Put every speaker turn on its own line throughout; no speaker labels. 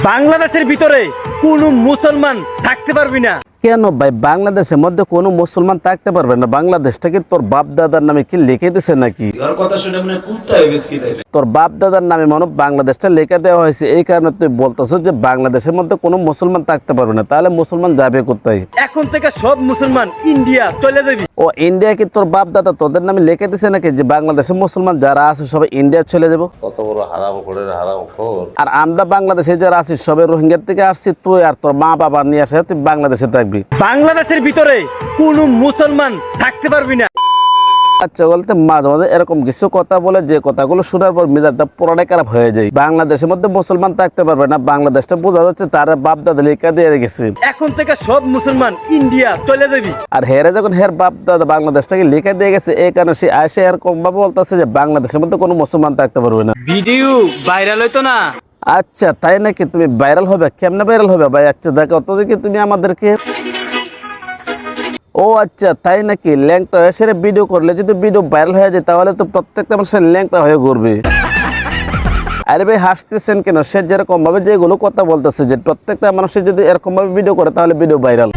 বাংলাদেশের ভিতরে কোনো মুসলমান থাকতে পারবি না।
কেন ভাই বাংলাদেশের মধ্যে কোনো মুসলমান থাকতে পারবে না? বাংলাদেশটা কি তোর বাপ দাদার নামে কি লিখে দিছে নাকি? তোর বাপ দাদার নামে মনে বাংলাদেশটা লিখে দেওয়া হয়েছে, এই কারণে তুই বলতেছ যে বাংলাদেশের মধ্যে কোনো মুসলমান থাকতে পারবে না। তাহলে মুসলমান যাবে কোথায়?
এখন থেকে সব মুসলমান ইন্ডিয়া চলে যাবি।
ও ইন্ডিয়া কি তোর বাপ দাদা তোদের নামে লিখে দিছে নাকি যে বাংলাদেশের মুসলমান যারা আছে সবাই ইন্ডিয়া চলে যাবো?
কত বড় হারামখোর।
আর আমরা বাংলাদেশে যারা আছি সবাই রোহিঙ্গা থেকে আসছি, তুই আর তোর মা বাবা নিয়ে আসে তুই বাংলাদেশে থাকবি।
বাংলাদেশের ভিতরে কোনো মুসলমান থাকতে পারবি না।
আচ্ছা বলতে মাঝে মাঝে এরকম কিছু কথা বলে যে কথাগুলো শোনার পর মেজাজটা পুরোটাই খারাপ হয়ে যায়। বাংলাদেশের মধ্যে মুসলমান থাকতে পারবে না, বাংলাদেশটা বোঝা যাচ্ছে তার বাপ দাদা লেখা দিয়ে গেছে।
এখন থেকে সব মুসলমান ইন্ডিয়া চলে যাবি।
আর হেরে যখন হের বাপ দাদা বাংলাদেশটাকে লেখা দিয়ে গেছে, এই কারণে সে আসে এরকম ভাবে বলতেছে যে বাংলাদেশের মধ্যে কোনো মুসলমান থাকতে পারবে না।
ভিডিও ভাইরাল হইতো না।
আচ্ছা তাই নাকি? তুমি ভাইরাল হবে? কেমনে ভাইরাল হবে ভাই? আচ্ছা দেখো তো দেখি তুমি আমাদেরকে। ও আচ্ছা তাই নাকি? ল্যাংটা হয়ে সেরে ভিডিও করলে যদি ভিডিও ভাইরাল হয়ে যায় তাহলে তো প্রত্যেকটা মানুষের ল্যাংটা হয়ে ঘুরবে। আরে ভাই হাসতেছেন কেন? সে যেরকম ভাবে যেগুলো কথা বলতেছে যে প্রত্যেকটা মানুষের যদি এরকম ভাবে ভিডিও করে তাহলে ভিডিও ভাইরাল।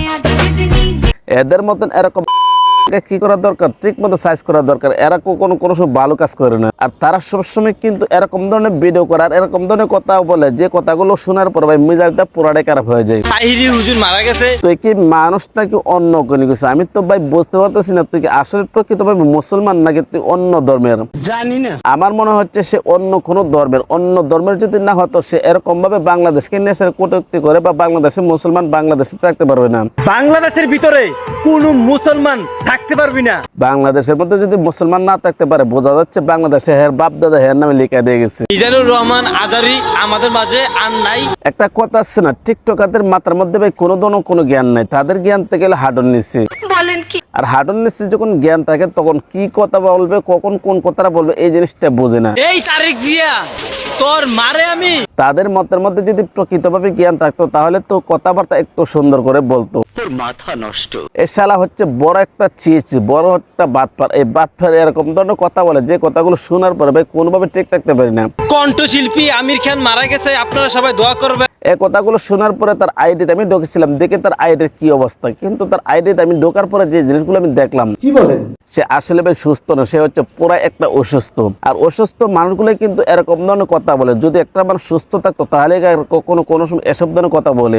এদের মতন এরকম কি করা দরকার? ঠিক মতো সাইজ করা দরকার। এরা কোনো সময় ভালো কাজ করে না। আর তারা সবসময় কিন্তু এরকম ধরনের ভিডিও করে আর এরকম ধরনের কথা বলে যে কথাগুলো শোনার পর ভাই মেজাজটা পুরাটাই খারাপ হয়ে যায়।
তাহিরি হুজুর মারা গেছে।
তুই কি মানুষ নাকি অন্য কোনো কিছু? আমি তো ভাই বুঝতে পারতেছি না তুই কি আসলে প্রকৃতভাবে মুসলমান নাকি তুই অন্য ধর্মের?
জানি না।
আমার মনে হচ্ছে সে অন্য কোনো ধর্মের। অন্য ধর্মের যদি না হতো সে এরকম ভাবে বাংলাদেশকে নিয়ে সে কটূক্তি করে বা বাংলাদেশের মুসলমান বাংলাদেশে থাকতে পারবে না।
বাংলাদেশের ভিতরে কোনো মুসলমান থাকতে পারবি না।
বাংলাদেশের মধ্যে যদি মুসলমান না থাকতে পারে বোঝা যাচ্ছে বাংলাদেশে হের বাপ দাদা হের নামে লিখা দিয়ে গেছে।
মিজানুর রহমান আজারি আমাদের মাঝে আর নাই।
একটা কথা আছে না, টিকটকারদের মাথার মধ্যে ভাই কোনো জ্ঞান নাই। তাদের জ্ঞান থেকে গেলে হাডন নিচ্ছে। আর হাডন নিচ্ছে যখন জ্ঞান থাকে তখন কি কথা বলবে, কখন কোন কথাটা বলবে এই জিনিসটা বোঝে না।
এই তারিখ জিয়া তোর মারে আমি।
তাদের মতের মধ্যে যদি প্রকৃতভাবে জ্ঞান থাকতো তাহলে তো কথাবার্তা একটু সুন্দর করে বলতো।
তোর মাথা নষ্ট।
এ শালা হচ্ছে বড় একটা চিজ, বড় একটা বাটপার। এই বাটপার এরকম ধরনের কথা বলে যে কথাগুলো শোনার পরে ভাই কোনোভাবে ঠিক থাকতে পারি না।
কণ্ঠশিল্পী আমির খান মারা গেছে, আপনারা সবাই দোয়া করবেন।
এই কথাগুলো শোনার পরে তার আইডিতে আমি ঢুকেছিলাম, দেখে তার আইডির কি অবস্থা। কিন্তু তার আইডিতে আমি ঢোকার পরে যে জিনিসগুলো আমি দেখলাম, কি বলেন, সে আসলে ভাই সুস্থ না, সে হচ্ছে পুরো একটা অসুস্থ। আর অসুস্থ মানুষগুলো কিন্তু এরকম ধরনের কথা বলে। যদি একটা মানুষ সুস্থ থাকতো তাহলে কোনো সময় এসব ধরনের কথা বলে।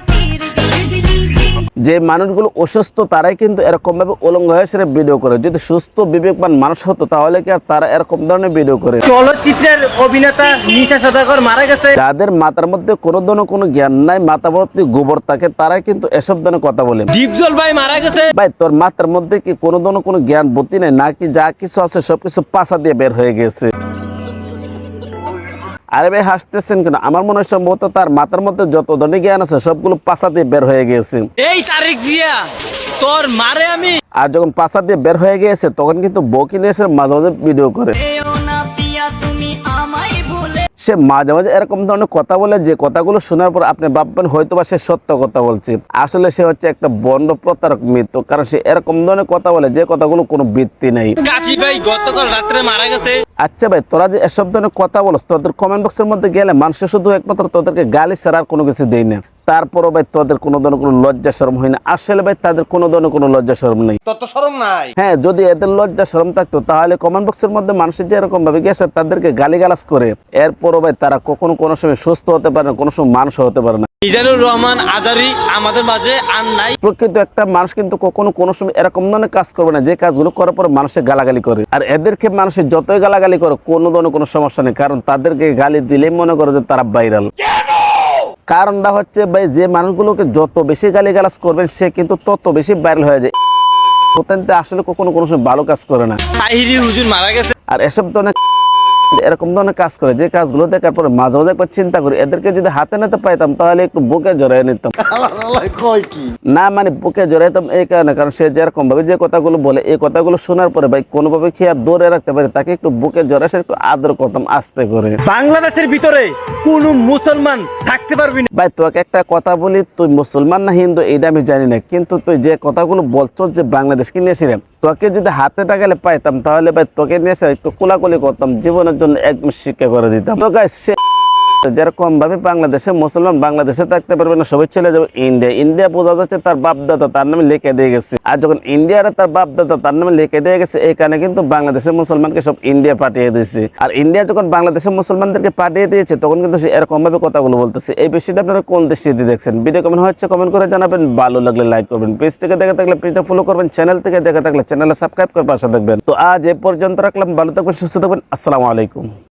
যে মানুষগুলো অসুস্থ তারাই কিন্তু এরকম ভাবে উলঙ্গ হয়ে সেরে ভিডিও করে। যদি সুস্থ বিবেকবান মানুষ হতো তাহলে কি আর তারা এরকম ধরনের ভিডিও করে?
চলচ্চিত্রের অভিনেতা নিশা সদাগর মারা গেছে।
যাদের মাথার মধ্যে কোনো জ্ঞান নাই, মাথা ভর্তি গোবর থাকে, তারাই কিন্তু এসব ধরনের কথা বলে।
দীপজল ভাই মারা গেছে।
ভাই তোর মাথার মধ্যে কি কোনো জ্ঞান বুদ্ধি নাই নাকি? যা কিছু আছে সবকিছু পাছা দিয়ে বের হয়ে গেছে। আরে ভাই হাসতেছেন কেন? আমার মনে হয় সম্ভবত তার মাথার মধ্যে যত ধরনের জ্ঞান আছে সবগুলো পাছা দিয়ে বের হয়ে গেছে।
এই তারিখ জিয়া তোর মারে আমি।
আর যখন পাছা দিয়ে বের হয়ে গেছে তখন কিন্তু বকি নিয়ে এসে মাঝে মাঝে ভিডিও করে। সে মাঝে মাঝে এরকম ধরনের কথা বলে যে কথাগুলো শোনার পর আপনি ভাববেন হয়তো বা সে সত্য কথা বলছে। আসলে সে হচ্ছে একটা বন্ড প্রতারক মৃত্যু। কারণ সে এরকম ধরনের কথা বলে যে কথাগুলো কোনো ভিত্তি নেই।
কাফি ভাই গতকাল রাত্রে মারা গেছে।
আচ্ছা ভাই তোরা যে এসব ধরনের কথা বলছ, তোদের কমেন্ট বক্সের মধ্যে গেলে মানুষের শুধু একমাত্র তোদেরকে গালি ছাড়া আর কোনো কিছু দেয় না। তারপরও ভাই তোদের কোনো ধরনের কোনো লজ্জা শরম হয় না। আসলে ভাই তাদের কোনো ধরনের কোনো লজ্জা শরম নেই।
তোর তো শরম নাই।
হ্যাঁ, যদি এদের লজ্জা শরম থাকতো তাহলে কমেন্ট বক্সের মধ্যে মানুষের যে এরকম ভাবে গেছে তাদেরকে গালিগালাজ করে এরপরও ভাই তারা কোনো সময় সুস্থ হতে পারে না, কোনো সময় মানুষ হতে পারে না।
মিজানুর রহমান আজারি আমাদের মাঝে আর নাই।
প্রকৃত একটা মানুষ কিন্তু কোনো সময় এরকম ধরনের কাজ করবে না যে কাজগুলো করার পর মানুষের গালাগালি করে। আর এদেরকে মানুষের যতই গালাগালি করে কোনো ধরনের কোনো সমস্যা নেই, কারণ তাদেরকে গালি দিলেই মনে করে যে তারা ভাইরাল। কারণটা হচ্ছে ভাই যে মানুষগুলোকে যত বেশি গালিগালাজ করবেন সে কিন্তু তত বেশি ভাইরাল হয়ে যায়। আসলে কোনো সময় ভালো কাজ করে না।
তাহিরি হুজুর মারা গেছে।
আর এসব ধরনের এরকম ধরনের কাজ করে যে কাজগুলো দেখার পরে মাঝে মাঝে একবার চিন্তা করি এদেরকে যদি হাতে নিতে পাইতাম তাহলে একটু বুকে জড়াই নিতাম। না মানে বুকে জড়াইতাম এই কারণে, কারণ সে যেরকম ভাবে যে কথাগুলো বলে এই কথাগুলো শোনার পরে ভাই কোনোভাবে কি আর দৌড়ে রাখতে পারে, তাকে একটু বুকে জড়াই সে একটু আদর করতাম আস্তে করে।
বাংলাদেশের ভিতরে কোনো মুসলমান থাকতে পারবি না।
ভাই তোকে একটা কথা বলি, তুই মুসলমান না হিন্দু এটা আমি জানি না, কিন্তু তুই যে কথাগুলো বলছো যে বাংলাদেশকে নিয়েছিলাম, তোকে যদি হাতে টাকালে পাইতাম তাহলে ভাই তোকে নিয়ে একটু কোলাকুলি করতাম, জীবনের জন্য একদম শিক্ষা করে দিতাম। তো গাইস যেরকম ভাবে বাংলাদেশে মুসলমান বাংলাদেশে থাকতে পারবে না, সবাই চলে যাবে ইন্ডিয়া। ইন্ডিয়া বোঝা যাচ্ছে তার বাপদাদা তার নামে লিখে দিয়ে গেছে, আর যখন ইন্ডিয়াটা তার বাপদাদা তার নামে লিখে দিয়ে গেছে, এই কারণে কিন্তু বাংলাদেশের মুসলমানকে সব ইন্ডিয়া পাঠিয়ে দিয়েছে। আর ইন্ডিয়া যখন বাংলাদেশের মুসলমানদেরকে পাঠিয়ে দিয়েছে, তখন কিন্তু সে এরকম ভাবে কথাগুলো বলতেছে। এই বিষয়টা আপনারা কোন দৃষ্টিতে দেখছেন? ভিডিও কেমন হচ্ছে কমেন্ট করে জানাবেন, ভালো লাগলে লাইক করবেন, পেজ থেকে দেখে থাকলে পেজটা ফলো করবেন, চ্যানেল থেকে দেখে থাকলে চ্যানেলে সাবস্ক্রাইব করে পাশে থাকবেন। তো আজ এ পর্যন্ত রাখলাম, ভালো থাকবেন, সুস্থ থাকবেন, আসসালামু আলাইকুম।